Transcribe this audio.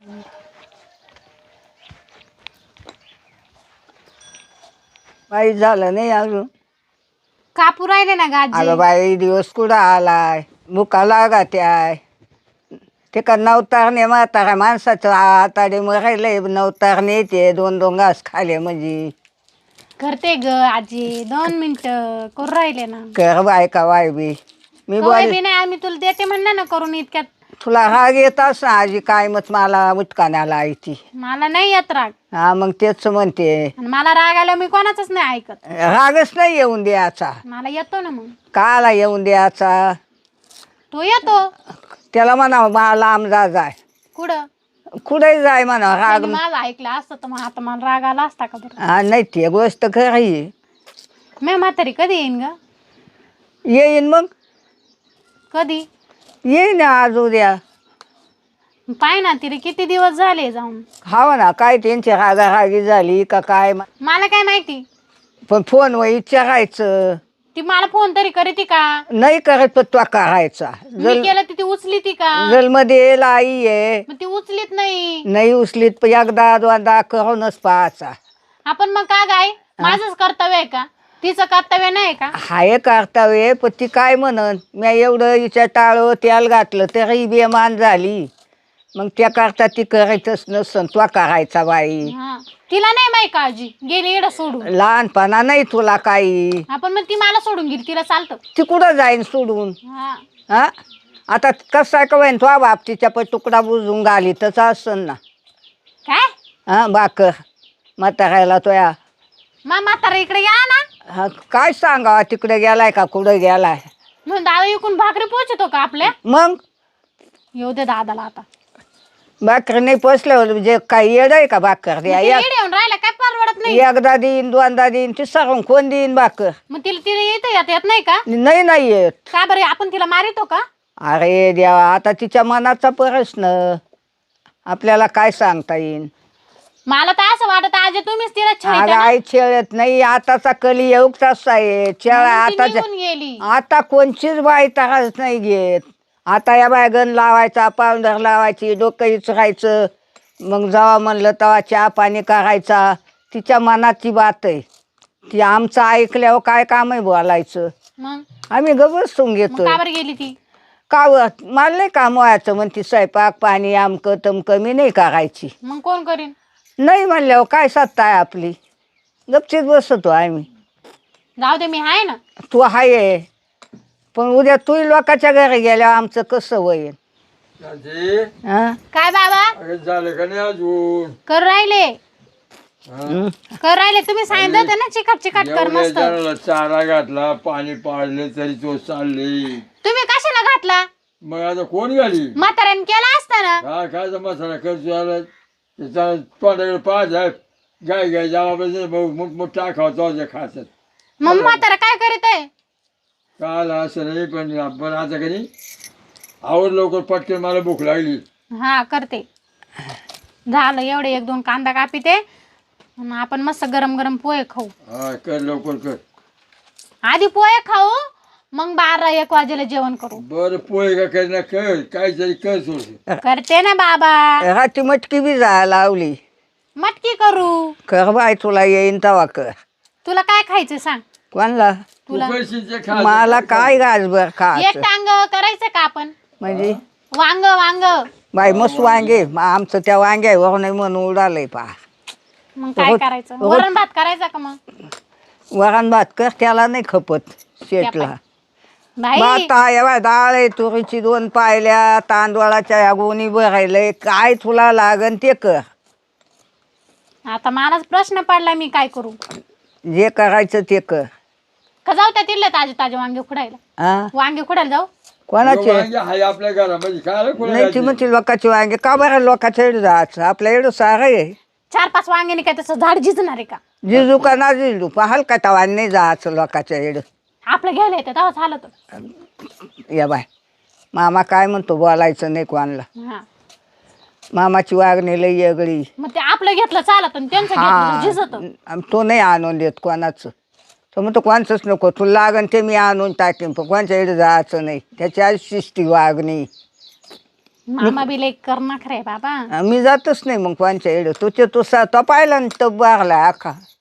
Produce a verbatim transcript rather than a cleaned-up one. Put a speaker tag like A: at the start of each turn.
A: काही झालं नाही अजून.
B: कापू राहिले ना गाजी.
A: अगं बाई दिवस कुठं आलाय, मुका लागत आहे. ते का नवतारणे म्हातारा माणसाचं आताडे मरायलंय, नवतारणे येते दोन दोन घास खाले म्हणजे.
B: करते ग आजी, दोन मिनिट करू राहिले ना.
A: कर बाय का बाय बी मी
B: कवाय
A: बोल.
B: बी नाही, आम्ही तुला देते म्हणणार ना करून इतक्यात.
A: तुला राग येत ना आजी, काय मग मला मुटकाण्याला आहे ती.
B: मला नाही येत राग.
A: हा मग तेच म्हणते,
B: आणि मला राग आला मी कोणाचंच नाही ऐकत.
A: रागच नाही येऊन द्यायचा.
B: मला येतो ना मग.
A: काला येऊन द्यायचा.
B: तो येतो.
A: त्याला म्हणा मला लांब जा जाय,
B: कुठं
A: कुठे जाय म्हणा राग.
B: त्याने माझं ऐकलं असतं तर मग आता मला राग आला असता का बरं.
A: हा नाही ते गोष्ट खरी.
B: मी म्हातारी कधी येईन ग?
A: येईन मग
B: कधी
A: येईन आज उद्या.
B: पाय ना तिला किती दिवस झाले जाऊन.
A: हा ना काय त्यांची रागारागी झाली का काय,
B: मला काय माहिती.
A: पण फोनवर विचारायचं.
B: ती मला फोन तरी करीती का?
A: नाही करत पण तो करायचा.
B: मी केलं ती ती उचली ती का?
A: जलमध्ये लाई आहे,
B: मग ती उचलीत नाही.
A: नाही उचलीत पण एकदा दोनदा करूनच पाहायचा.
B: आपण मग का गाय माझंच कर्तव्य आहे का? तिचं कर्तव्य नाही का?
A: हाय कर्तव्य पण ती काय म्हणन, मी एवढं हिच्या टाळं त्याला घातलं तरी बेमान झाली. मग त्या करता ती करायचंच नसन, तो करायचा बाई.
B: हा तिला नाही माहिती काळजी, गेली एवढं सोडून.
A: लहानपणा नाही तुला काही.
B: आपण मग ती मला सोडून गेली, तिला चालतं.
A: ती कुठं जाईन सोडून.
B: हा
A: हा आता कसा का होईन तो बाप तिच्या पण तुकडा बुजून घाली तसं असन ना.
B: काय
A: हा बाकर म्हातारायला तोया.
B: मा म्हातारा इकडे या ना.
A: हा काय सांगावा तिकडे गेलाय का कुठं गेलाय.
B: म्हणून दादा इकून भाकरी पोहोचतो का आपल्या?
A: मग
B: येऊ दे दादाला आता.
A: भाकर नाही पोचल्यावर म्हणजे काही येड आहे का भाकर
B: मग
A: द्या.
B: तिला येडे येऊन राहिला काय परवडत नाही.
A: एकदा देईन दोनदा देईन ती सरून कोण देईन भाकर.
B: मग तिला तिला येतं येत येत नाही का?
A: नाही नाही येत.
B: का बरं आपण तिला मारितो का?
A: अरे देवा आता तिच्या मनाचा प्रश्न, आपल्याला काय सांगता येईन.
B: मला तर असं वाटत आजी तुम्हीच तिला
A: अगं
B: छळता ना.
A: आई खेळत नाही, आताचा कली येऊ तसा आहे खेळ.
B: म्हणून ती
A: आताच्या
B: निघून गेली.
A: आता कोणचीच बाई त्रास नाही घेत. आता या बाय गण लावायचा, पावडर लावायची, डोकं इचरायचं, मग जेव्हा म्हणलं तेव्हा चहा पाणी करायचा. तिच्या मनाची बात आहे ती. आमचं ऐकल्यावर काय काम आहे बोलायचं.
B: मग
A: आम्ही ग बसून
B: मग
A: घेतो.
B: का बरं गेली ती?
A: का व- मला नाही काम व्हायचं म्हणते, स्वयंपाक पाणी आमकं तमकं मी नाही करायची.
B: मग कोण करीन?
A: नाही म्हणल्यावर काय सत्ता आहे आपली, गपचीत बसतो आम्ही.
B: जाऊ दे मी आहे ना.
A: तू आहे पण उद्या तू लोकांच्या घरी गेल्यावर आमचं कसं होईल. हा
B: काय बाबा
C: झालं का नाही अजून?
B: कर राहिले
A: हं.
B: कर राहिले तुम्ही सांगितलं होतं ना चिकट चिकट कर
C: एवढ्या
B: मस्त.
C: जणाला चारा घातला, पाणी पाडले तरी तो चालले.
B: तुम्ही कशाला घातला?
C: मग आता कोण घाली?
B: म्हाताऱ्याने केला असता ना.
C: हा खायचा मसाला खर्च झाला त्याचा तोंडाकडे पाच आहे. गाय गाय जावा मग टाकावं तो खायचं.
B: मग म्हातारा काय करीत आहे?
C: काल असं नाही पण पण आता का नाही आवड लवकर पटकन, मला भूक लागली.
B: हा करते. झालं एवढे एक दोन कांदा कापिते, मग आपण मस्त गरम गरम पोहे खाऊ.
C: हा कर लवकर कर.
B: आधी पोहे खाऊ, मग बारा एक वाजेला जेवण करू.
C: बरं पोहे का कर ना कर, काहीतरी कर सोड.
B: करते ना बाबा.
A: हाती मटकी बी जायला लावली.
B: मटकी करू.
A: कर बाय तुला येईन तवा कर.
B: तुला काय खायचं सांग.
A: कोणला?
C: तू
B: तुला
C: करशील ते खा.
A: मला काय गाजबर
B: एक
A: खायचं
B: टांग करायचं का आपण?
A: म्हणजे.
B: वांग वांग
A: बाई मस्त वांगे, मग आमचं त्या वांग्यावर नाही म्हणून उडालंय पा.
B: मग काय
A: रोज-
B: करायचं?
A: रोज-
B: वरण भात करायचा का मग?
A: वरण भात कर, त्याला नाही खपत शेटला.
B: बाई
A: भात आहे बाय, डाळ आहे तुरीची दोन पायल्या, तांदूळाच्या या गोणी भरायलंय, काय तुला लागन ते कर.
B: आता मलाच प्रश्न पडला मी काय करू.
A: जे करायचं ते कर.
B: का जाऊ त्या तिथले ताजे ताजे वांगे खुडायला?
A: हा
B: वांगे खुडायला जाऊ.
A: कोणाचे?
C: वांगे हाय आपल्या घरामध्ये काय कोण
A: नाही ती म्हणते लोकांचे वांगे का बरं लोकांच्या इकडे जायचं, आपल्या इकडं सारं आहे.
B: चार पाच वांग्याने काय तसं झाड झिजणार आहे का?
A: जिजू का ना जिजू पाहाल का तवा नाही जायचं लोकांच्या इकडं.
B: आपलं घ्यायला येतं तेव्हा झालं तर.
A: या बाय मामा काय म्हणतो, बोलायचं नाही कोणाला.
B: हा
A: मामाची वागणी लई वेगळी.
B: मग ते आपलं घेतलं चालत आणि त्यांचं घेतलं तर झिजत.
A: हा तो नाही आणून देत कोणाचं. तो म्हणतो कोणाचंच नको, तुला लागन ते मी आणून टाकेन, पण कोणाच्या इकडे जायचं नाही. त्याची आज शिस्ती वागणी.
B: मामा बी लई करणार रे बाबा.
A: मी जातच नाही मग कोणच्या इकडे तुझे तो सा तो पाहिला ना तो बागला आखा